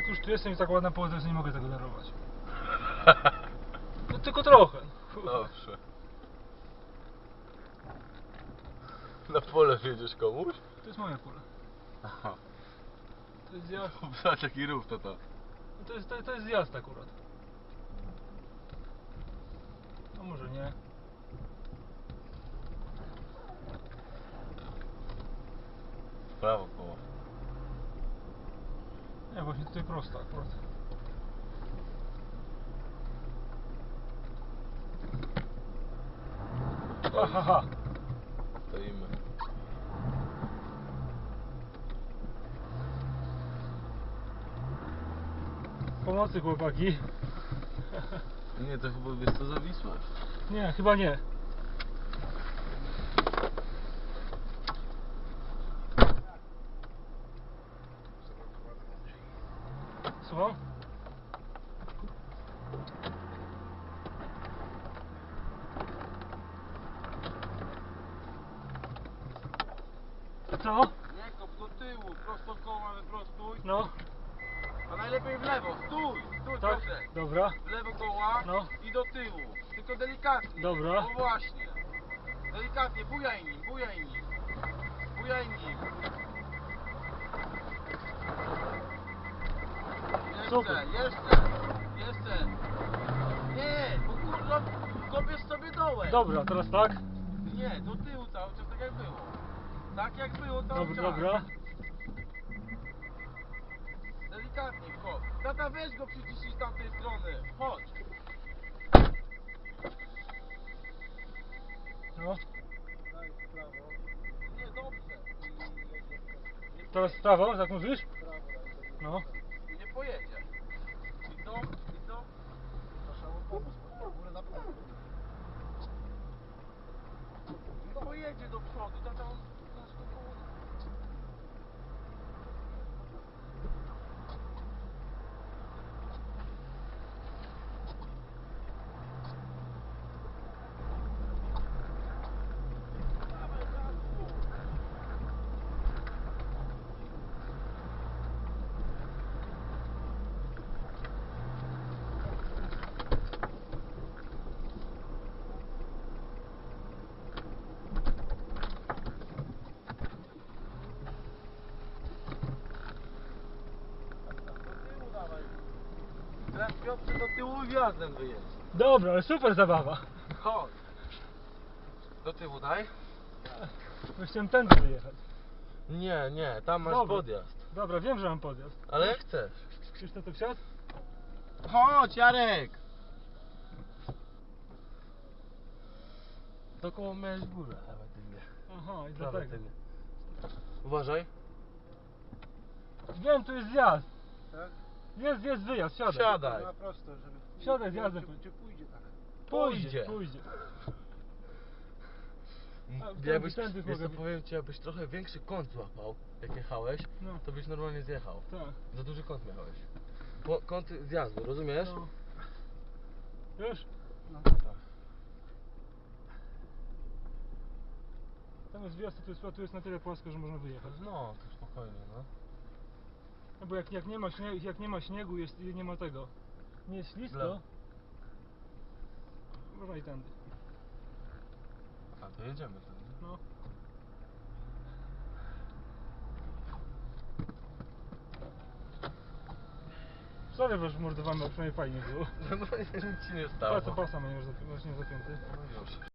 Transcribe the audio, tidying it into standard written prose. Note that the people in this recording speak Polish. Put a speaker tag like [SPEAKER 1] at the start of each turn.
[SPEAKER 1] jak już tu jestem i tak ładna pogoda, to nie mogę tego darować. No tylko trochę.
[SPEAKER 2] Dobrze. Na pole wjedziesz komuś?
[SPEAKER 1] To jest moje pole.
[SPEAKER 2] Aha.
[SPEAKER 1] To jest zjazd.
[SPEAKER 2] Zobacz jaki rów to.
[SPEAKER 1] No to jest zjazd akurat. No może nie.
[SPEAKER 2] W prawo koło.
[SPEAKER 1] Nie, właśnie tutaj prosto akurat. Ha.
[SPEAKER 2] Stoimy.
[SPEAKER 1] Pomocy chłopaki.
[SPEAKER 2] Nie, to chyba wiesz co zawisłeś.
[SPEAKER 1] Nie, chyba nie. Słucham? Co?
[SPEAKER 3] Nie kop do tyłu, prosto koła wyprostuj.
[SPEAKER 1] No,
[SPEAKER 3] A najlepiej w lewo, stój,
[SPEAKER 1] tak,
[SPEAKER 3] proszę.
[SPEAKER 1] dobra,
[SPEAKER 3] W lewo koła
[SPEAKER 1] No.
[SPEAKER 3] i do tyłu. Tylko delikatnie.
[SPEAKER 1] Dobra.
[SPEAKER 3] No właśnie. Delikatnie, bujaj nim, bujaj nim. Bujaj nim.
[SPEAKER 1] Super.
[SPEAKER 3] Jeszcze. Nie, bo kurwa kopiesz sobie dołem.
[SPEAKER 1] dobra, teraz tak?
[SPEAKER 3] Nie, do tyłu cały czas tak jak było. Tak jak było cały
[SPEAKER 1] Dobra,
[SPEAKER 3] czas.
[SPEAKER 1] dobra.
[SPEAKER 3] Delikatnie, kop. Tata, weź go przyciśnij z tamtej strony. Chodź.
[SPEAKER 1] No,
[SPEAKER 3] Daj w prawo. Nie, dobrze.
[SPEAKER 1] teraz w prawo, tak mówisz? No.
[SPEAKER 3] Nie pojedzie. I to. Trzeba mu pomóc, górę na prawo. Nie pojedzie do przodu, tata on nasz to koło. Teraz Piotrze do tyłu i wjazdem wyjedź.
[SPEAKER 1] Dobra, ale super zabawa.
[SPEAKER 3] Chodź. Do tyłu daj.
[SPEAKER 1] Bo chciałem tędy wyjechać.
[SPEAKER 2] Nie, tam masz
[SPEAKER 1] Dobra.
[SPEAKER 2] podjazd.
[SPEAKER 1] Dobra, wiem, że mam podjazd.
[SPEAKER 2] Ale jak chcesz.
[SPEAKER 1] Krzysztof tu wsiadł?
[SPEAKER 3] Chodź, Jarek.
[SPEAKER 2] To koło miałeś górę, lewa tylnie.
[SPEAKER 1] Aha, i
[SPEAKER 2] Prawa
[SPEAKER 1] dlatego.
[SPEAKER 2] tylnie. Uważaj.
[SPEAKER 1] Wiem, tu jest zjazd.
[SPEAKER 3] Tak?
[SPEAKER 1] Jest wyjazd, siadaj.
[SPEAKER 2] Siadaj.
[SPEAKER 3] Na prosto, żeby...
[SPEAKER 1] Siadaj, zjadę.
[SPEAKER 3] Czy pójdzie tak?
[SPEAKER 1] Pójdzie.
[SPEAKER 2] Jakbyś,
[SPEAKER 1] tędy
[SPEAKER 2] wiesz co,
[SPEAKER 1] mogę-
[SPEAKER 2] powiem ci, jakbyś trochę większy kąt złapał, jak jechałeś,
[SPEAKER 1] No.
[SPEAKER 2] to byś normalnie zjechał.
[SPEAKER 1] Tak.
[SPEAKER 2] Za duży kąt miałeś. Kąt zjazdu, rozumiesz?
[SPEAKER 1] No. Już?
[SPEAKER 3] No.
[SPEAKER 1] Tam jest wjazd, tu jest na tyle płasko, że można wyjechać.
[SPEAKER 2] No, to spokojnie, no.
[SPEAKER 1] No bo jak nie ma śniegu, nie ma tego. Nie jest ślisko.
[SPEAKER 2] Lewo.
[SPEAKER 1] Można i tędy.
[SPEAKER 2] A to jedziemy tam, nie?
[SPEAKER 1] No. Sorry, że mordowamy, a przynajmniej fajnie było.
[SPEAKER 2] No nic ci nie stało.
[SPEAKER 1] Pasa masz nie zapięty.
[SPEAKER 2] No już.